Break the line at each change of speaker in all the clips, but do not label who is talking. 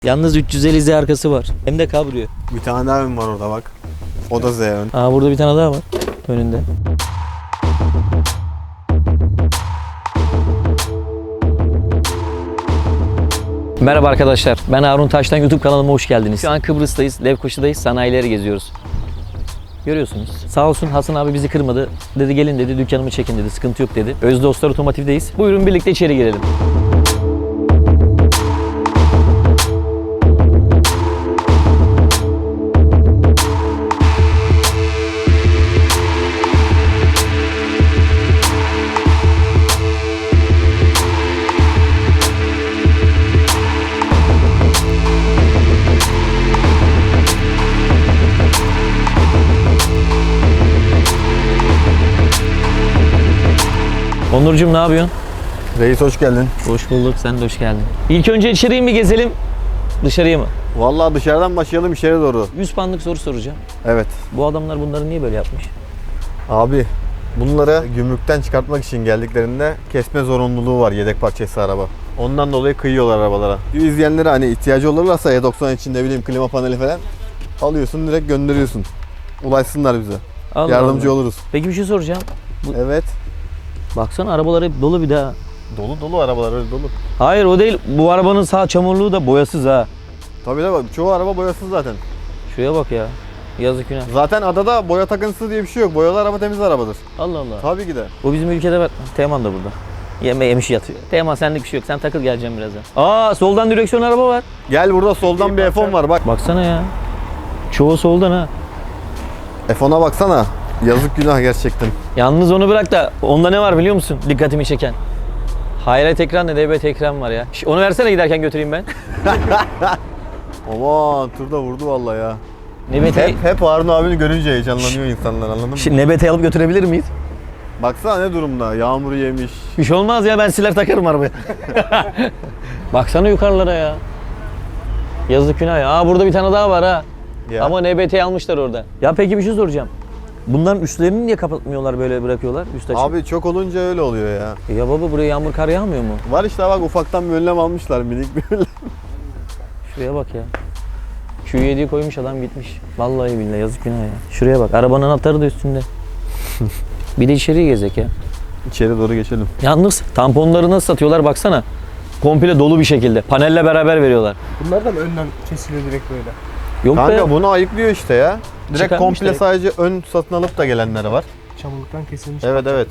Yalnız 350 Z arkası var. Hem de kabrio.
Bir tane daha ön var orada bak. O da Z ön.
Aa, burada bir tane daha var önünde. Merhaba arkadaşlar. Ben Harun Taş'tan YouTube kanalıma hoş geldiniz. Şu an Kıbrıs'tayız. Lefkoşa'dayız. Sanayileri geziyoruz. Görüyorsunuz. Sağ olsun Hasan abi bizi kırmadı. Dedi gelin dedi, dükkanımı çekin dedi. Sıkıntı yok dedi. Özdostlar Otomotiv'deyiz. Buyurun birlikte içeri girelim. Onurcuğum ne yapıyorsun?
Reis hoş geldin.
Hoş bulduk. Sen de hoş geldin. İlk önce içeriye mi gezelim, dışarıya mı?
Vallahi dışarıdan başlayalım içeri doğru.
100 puanlık soru soracağım.
Evet.
Bu adamlar bunları niye böyle yapmış?
Abi bunları gümrükten çıkartmak için geldiklerinde kesme zorunluluğu var yedek parçası araba. Ondan dolayı kıyıyorlar arabalara. İzleyenlere hani ihtiyacı olurlarsa E90 için ne bileyim klima paneli falan alıyorsun direkt gönderiyorsun. Ulaşsınlar bize.
Allah
Yardımcı
Allah.
oluruz.
Peki bir şey soracağım.
Evet.
Baksana arabalar hep dolu bir daha.
Dolu arabalar öyle dolu.
Hayır o değil. Bu arabanın sağ çamurluğu da boyasız ha.
Tabii de bak çoğu araba boyasız zaten.
Şuraya bak ya. Yazık günah.
Zaten adada boya takıntısı diye bir şey yok. Boyalı araba temiz arabadır.
Allah Allah.
Tabii ki de.
Bu bizim ülkede var. Teğmen de burada. Yemiş yatıyor. Teğmen senlik bir şey yok. Sen takıl geleceğim birazdan. Aa, soldan direksiyon araba var.
Gel burada soldan bir F10 var bak.
Baksana ya. Çoğu soldan ha.
F10'a baksana. Yazık günah gerçekten.
Yalnız onu bırak da onda ne var biliyor musun? Dikkatimi çeken. Hayret ekran ne DBT ekran var ya. Onu versene giderken götüreyim ben.
Aman turda vurdu vallahi ya.
NBT...
Hep Harun abini görünce heyecanlanıyor insanlar anladın mı?
Şimdi NBT alıp götürebilir miyiz?
Baksana ne durumda. Yağmur yemiş.
Bir şey olmaz ya, ben siler takarım arabaya. Baksana yukarılara ya. Yazık günah ya. Aa, burada bir tane daha var ha.
Ya.
Ama NBT almışlar orada. Ya peki bir şey soracağım. Bunların üstlerini niye kapatmıyorlar, böyle bırakıyorlar üst açık?
Abi çok olunca öyle oluyor ya.
Ya baba, buraya yağmur kar yağmıyor mu?
Var işte bak ufaktan bir önlem almışlar minik bir önlem.
Şuraya bak ya. Q7'yi koymuş adam gitmiş. Vallahi billahi yazık günah ya. Şuraya bak, arabanın anahtarı da üstünde. Bir de içeriye gezek ya.
İçeri doğru geçelim.
Yalnız tamponları nasıl satıyorlar baksana. Komple dolu bir şekilde. Panelle beraber veriyorlar.
Bunlar da mı önden kesiliyor direkt böyle?
Yok
Kanka
be.
bunu ayıklıyor işte ya. Direkt
Çıkarmış
komple
direkt.
sadece ön satın alıp da gelenler var.
Çamurluktan kesilmiş.
Evet.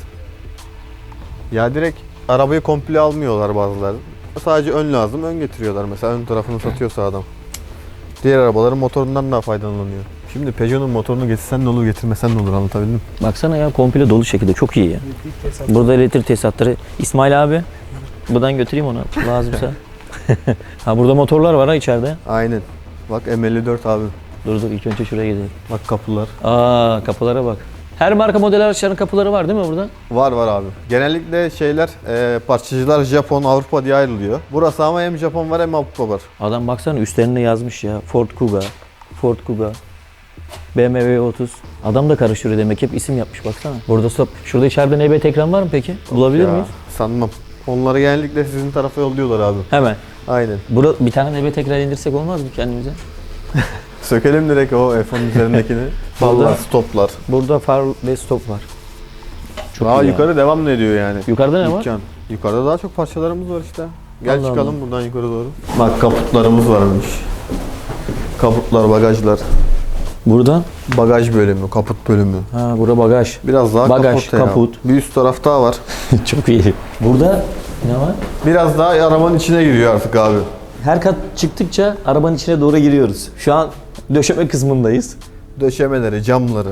Ya direkt arabayı komple almıyorlar bazıları. Sadece ön lazım, ön getiriyorlar mesela ön tarafını satıyorsa adam. Diğer arabaların motorundan daha faydalanıyor. Şimdi Peugeot'un motorunu getirsen ne olur, getirmesen ne olur, anlatabildim mi?
Baksana ya, komple dolu şekilde, çok iyi ya.
Elektrik tesisat.
Burada elektrik tesisatları. İsmail abi, buradan götüreyim onu lazımsa. Ha, burada motorlar var ha içeride.
Aynen. Bak M54 abi.
Dur ilk önce şuraya gidelim.
Bak kapılar.
Aa, kapılara bak. Her marka model araçların kapıları var değil mi burada?
Var abi. Genellikle şeyler, parçacılar Japon, Avrupa diye ayrılıyor. Burası ama hem Japon var hem Avrupa var.
Adam baksana üstlerine yazmış ya. Ford Kuga, BMW 30. Adam da karıştırıyor demek, hep isim yapmış baksana. Burada stop. Şurada içeride NBT ekran var mı peki? Bulabilir
Ya,
miyiz?
sanmam. Onları genellikle sizin tarafa yolluyorlar abi.
Hemen.
Aynen.
Burada bir tane NBT ekran indirsek olmaz mı kendimize?
Sökelim direkt o F10 üzerindekini.
Vallahi.
Vallahi stoplar.
Burada far ve stop var. Çok
Daha
iyi ya.
yukarı devam ediyor yani.
Yukarıda ne var?
Dükkan. Yukarıda daha çok parçalarımız var işte. Gel
Allah
çıkalım buradan yukarı doğru. Bak kaputlarımız varmış. Kaputlar, bagajlar.
Burada?
Bagaj bölümü, kaput bölümü.
Ha, burada bagaj.
Biraz daha
Bagaj,
kaput ya.
kaput.
Bir üst taraf daha var.
Çok iyi. Burada ne var?
Biraz daha arabanın içine giriyor artık abi.
Her kat çıktıkça arabanın içine doğru giriyoruz. Şu an döşeme kısmındayız.
Döşemeleri, camları.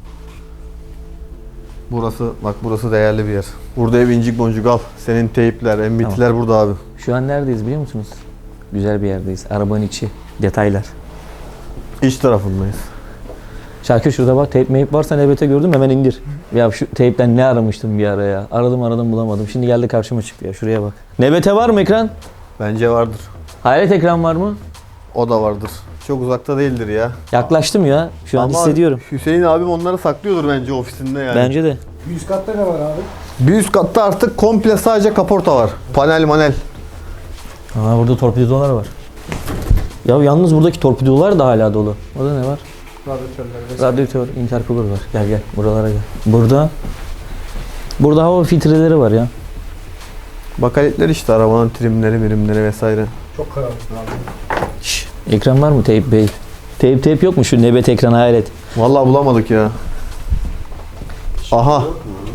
Burası değerli bir yer. Burada ev incik boncuk al. Senin teypler, embitler burada abi.
Şu an neredeyiz biliyor musunuz? Güzel bir yerdeyiz. Arabanın içi, detaylar.
İç tarafındayız.
Şakir şurada bak, teyp meyip varsa NBT gördüm, hemen indir. Ya şu teypten ne aramıştım bir ara ya. Aradım bulamadım. Şimdi geldi karşıma çıktı ya, şuraya bak. NBT var mı ekran?
Bence vardır.
Hayret ekran var mı?
O da vardır. Çok uzakta değildir ya.
Yaklaştım ya. Şu an
Ama
hissediyorum.
Hüseyin abim onları saklıyordur bence ofisinde yani.
Bence de.
Bir üst katta ne var abi?
Bir üst katta artık komple sadece kaporta var. Panel manel.
Aa, burada torpidolar var. Ya yalnız buradaki torpidolar da hala dolu. Orada ne var?
Radyatörler vesaire.
Radyatör, intercooler var. Gel gel buralara gel. Burada hava filtreleri var ya.
Bakaletler işte arabanın trimleri, birimleri vesaire.
Çok karanlık abi.
Şş, ekran var mı teyp bey? Teyp yok mu şu nebet ekranı hayret.
Vallahi bulamadık ya. Aha.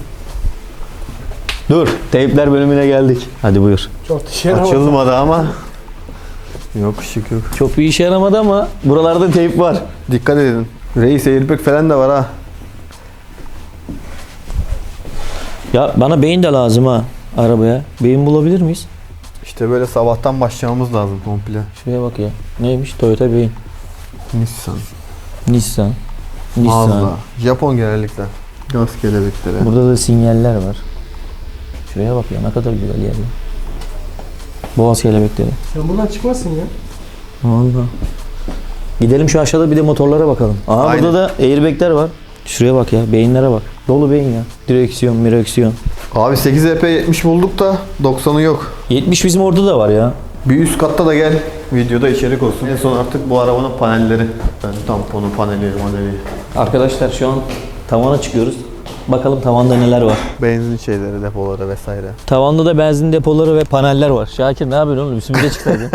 Dur, teypler bölümüne geldik. Hadi buyur.
Çok dışarı ama.
Açılmadı ama. Yok ışık yok.
Çok bir işe yaramadı ama buralarda teyp var.
Dikkat edin. Reis airbag falan da var ha.
Ya bana beyin de lazım ha arabaya. Beyin bulabilir miyiz?
İşte böyle sabahtan başlamamız lazım komple.
Şuraya bak ya. Neymiş? Toyota beyin.
Nissan.
Nissan.
Mazda. Japon genellikle. Gaz kelebekleri.
Burada da sinyaller var. Şuraya bak ya ne kadar güzel yer ya. Boğaz kelebekleri.
Sen buradan çıkmazsın ya.
Vallahi. Gidelim şu aşağıda bir de motorlara bakalım. Aa
Aynen.
burada da airbagler var. Şuraya bak ya beyinlere bak. Dolu beyin ya. Direksiyon.
Abi 8 EP 70 bulduk da 90'ı yok.
70 bizim orada da var ya.
Bir üst katta da gel. Videoda içerik olsun. En son artık bu arabanın panelleri. Yani tamponu, paneli.
Arkadaşlar şu an tavana çıkıyoruz. Bakalım tavanda neler var.
Benzin şeyleri, depoları vesaire.
Tavanda da benzin depoları ve paneller var. Şakir ne yapıyorsun oğlum? Üstümüze çıksaydın.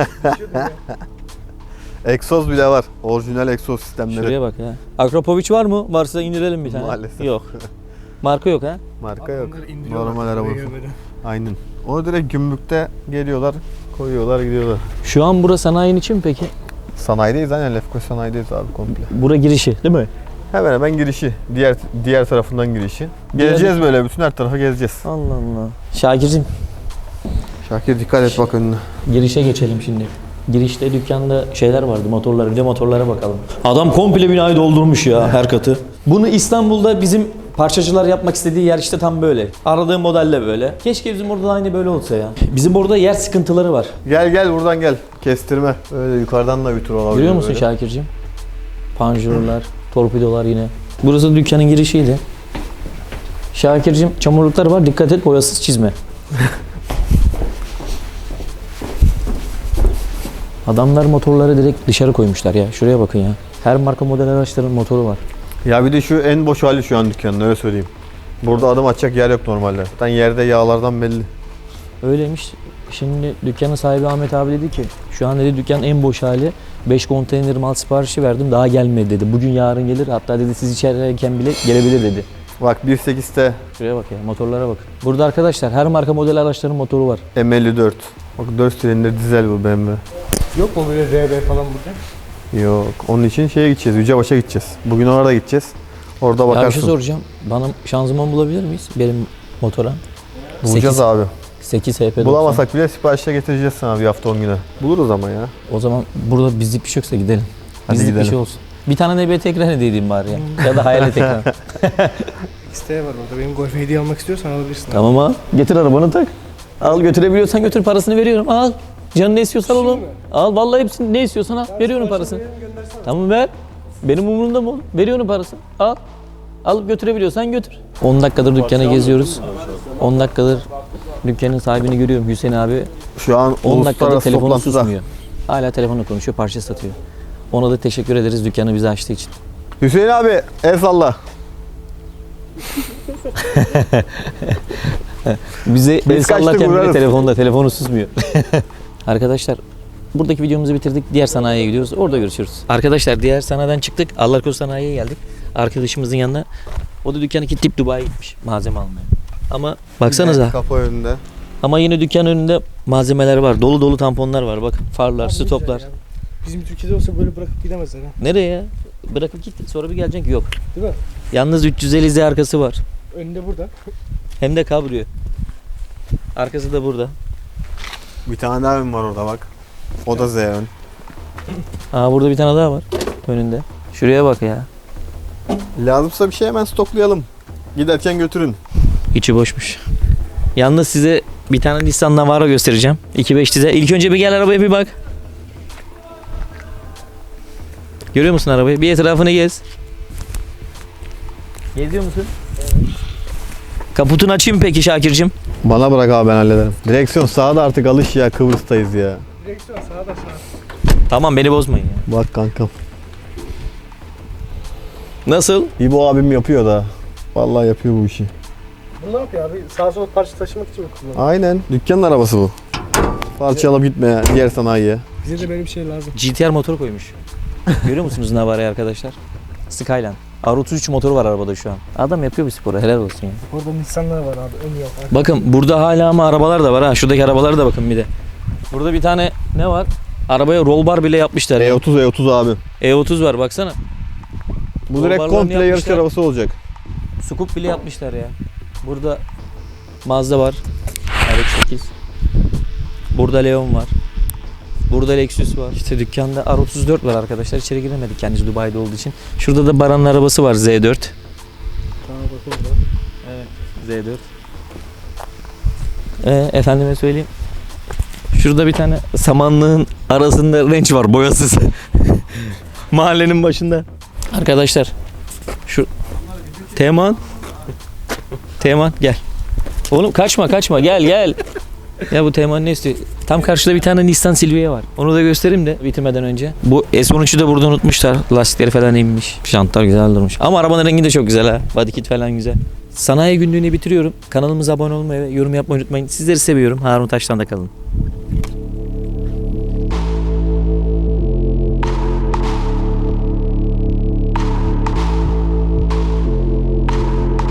Egzoz bile var. Orijinal egzoz sistemleri.
Şuraya bak ya. Akropovic var mı? Varsa indirelim bir tane.
Maalesef.
Yok. Marka yok ha.
Marka yok.
Onları indiriyorlar.
Normal araba.
Böyle böyle.
Aynen. Onu direkt gümrükte geliyorlar, koyuyorlar, gidiyorlar.
Şu an burası sanayinin için mi peki?
Sanayideyiz aynen. Lefkoşa sanayideyiz abi komple.
Bura girişi değil mi?
Hemen hemen girişi. Diğer tarafından girişi. Gezeceğiz böyle. Bütün her tarafa gezeceğiz.
Allah Allah. Şakir'cim
Şakir dikkat et bak önüne.
girişe geçelim şimdi. Girişte dükkanda şeyler vardı, motorlar. Bir de motorlara bakalım. Adam komple binayı doldurmuş ya her katı. Bunu İstanbul'da bizim parçacılar yapmak istediği yer işte tam böyle. Aradığım modelle böyle. Keşke bizim orada da aynı böyle olsa ya. Bizim orada yer sıkıntıları var.
Gel buradan gel. Kestirme. Öyle yukarıdan da bir tur olabilir.
Görüyor musun
böyle.
Şakir'cim? Panjurlar, torpidolar yine. Burası dükkanın girişiydi. Şakir'cim çamurluklar var. Dikkat et boyasız çizme. Adamlar motorları direkt dışarı koymuşlar ya. Şuraya bakın ya. Her marka model araçların motoru var.
Ya bir de şu en boş hali şu an dükkanın öyle söyleyeyim. Burada adım atacak yer yok normalde. Zaten yerde yağlardan belli.
Öyleymiş. Şimdi dükkanın sahibi Ahmet abi dedi ki şu an dedi dükkanın en boş hali. 5 konteyner mal siparişi verdim daha gelmedi dedi. Bugün yarın gelir hatta dedi siz içerideyken bile gelebilir dedi.
Bak 1.8'te
Şuraya bak ya motorlara bakın. Burada arkadaşlar her marka model araçların motoru var.
M54. Bak 4 silindir dizel bu BMW.
Yok mu böyle RB falan burada?
Yok. Onun için şeye gideceğiz. Yücebaş'a gideceğiz. Bugün orada gideceğiz. Orada
Ya bir
bakarsın.
şey soracağım. Bana şanzıman bulabilir miyiz benim motora?
Bulacağız abi.
8 HP90.
Bulamasak bile siparişle getireceğiz sana bir hafta 10 güne. Buluruz ama ya.
O zaman burada bizlik bir şey yoksa gidelim.
Hadi
Bizlik bir
gidelim.
şey olsun. Bir tane NBT ekran hediye edeyim bari ya. Ya da hayalet ekran.
İsteğe var orada. Benim Golf hediye almak istiyorsan alabilirsin.
Tamam al. Getir arabanı tak. Al götürebiliyorsan götür parasını veriyorum. Al. Canın ne istiyorsan oğlum.
mi?
Al vallahi hepsini ne istiyorsan al. Veriyorum parasını. Tamam ver. Benim umurumda mı oğlum? Veriyorum parasını. Al. Alıp götürebiliyorsan götür. 10 dakikadır dükkanı geziyoruz. 10 dakikadır dükkanın sahibini görüyorum Hüseyin abi.
Şu an
10 dakikadır
uluslararası
telefonu
toplantıda.
susmuyor. Hala telefonla konuşuyor, parça satıyor. Ona da teşekkür ederiz dükkanı bize açtığı için.
Hüseyin abi el salla.
Bize
Biz
el sallarken
kaçtık,
bile
uğrarız.
telefonu susmuyor. Arkadaşlar buradaki videomuzu bitirdik. Diğer sanayiye gidiyoruz. Orada görüşürüz. Arkadaşlar diğer sanayiden çıktık. Allahkoru sanayiye geldik. Arkadaşımızın yanına. O da dükkanı kilitleyip Dubai'ye gitmiş malzeme almaya. Ama baksanıza.
Kapı önünde.
Ama yine dükkanın önünde malzemeler var. Dolu dolu tamponlar var. Bakın farlar, stoplar.
Bizim Türkiye'de olsa böyle bırakıp gidemezler ha.
Nereye ya? Bırakıp git. Sonra bir geleceksin ki yok.
Değil mi?
Yalnız 350Z arkası var.
Önünde burada.
Hem de kabriyo. Arkası da burada.
Bir tane daha ön var orada bak. O da Z ön.
Aa burada bir tane daha var önünde. Şuraya bak ya.
Lazımsa bir şey hemen stoklayalım. Giderken götürün.
İçi boşmuş. Yalnız size bir tane Nissan Navara göstereceğim. 2.5 dizel. İlk önce bir gel arabaya bir bak. Görüyor musun arabayı? Bir etrafını gez. Geziyor musun? Kaputunu açayım peki Şakir'cim?
Bana bırak abi ben hallederim. Direksiyon sağda artık alış ya Kıbrıs'tayız ya.
Direksiyon sağda sağ.
Tamam beni bozmayın ya.
Bak kankam.
Nasıl?
İbo abim yapıyor da. Vallahi yapıyor bu işi.
Bu ne yapıyor abi? Sağa sola parça taşımak için mi kullanıyor?
Aynen. Dükkanın arabası bu. Parça alıp gitmeye diğer sanayiye.
Bize de böyle bir şey lazım.
GTR motor koymuş. Görüyor musunuz Navara'yı arkadaşlar? Skyline. R33 motoru var arabada şu an. Adam yapıyor bu sporu. Helal olsun ya.
Orada Nissan'lar var abi. Ön yok.
Bakın burada hala ama arabalar da var ha. Şuradaki arabalara da bakın bir de. Burada bir tane ne var? Arabaya roll bar bile yapmışlar. ya.
E30 abi.
E30 var baksana.
Bu direkt
Yollarlarını
komple yarış
yapmışlar.
arabası olacak.
Scoop bile yapmışlar ya. Burada Mazda var. RX-8. Burada Leon var. Burada Lexus var. İşte dükkanda R34 var arkadaşlar. İçeri giremedik kendisi Dubai'de olduğu için. Şurada da Baran'ın arabası var Z4.
Tamam bak orada.
Evet Z4. Efendime söyleyeyim. Şurada bir tane samanlığın arasında Range var boyasız. Mahallenin başında. Arkadaşlar şu Teğmen gel. Oğlum kaçma gel. Ya bu Teğmen ne istiyor? Tam karşıda bir tane Nissan Silvia var. Onu da göstereyim de bitirmeden önce. Bu S13'ü de burada unutmuşlar. Lastikleri falan inmiş. Jantlar güzel durmuş. Ama arabanın rengi de çok güzel ha. Body kit falan güzel. Sanayi günlüğünü bitiriyorum. Kanalımıza abone olmayı ve yorum yapmayı unutmayın. Sizleri seviyorum. Harun Taş'tan da kalın.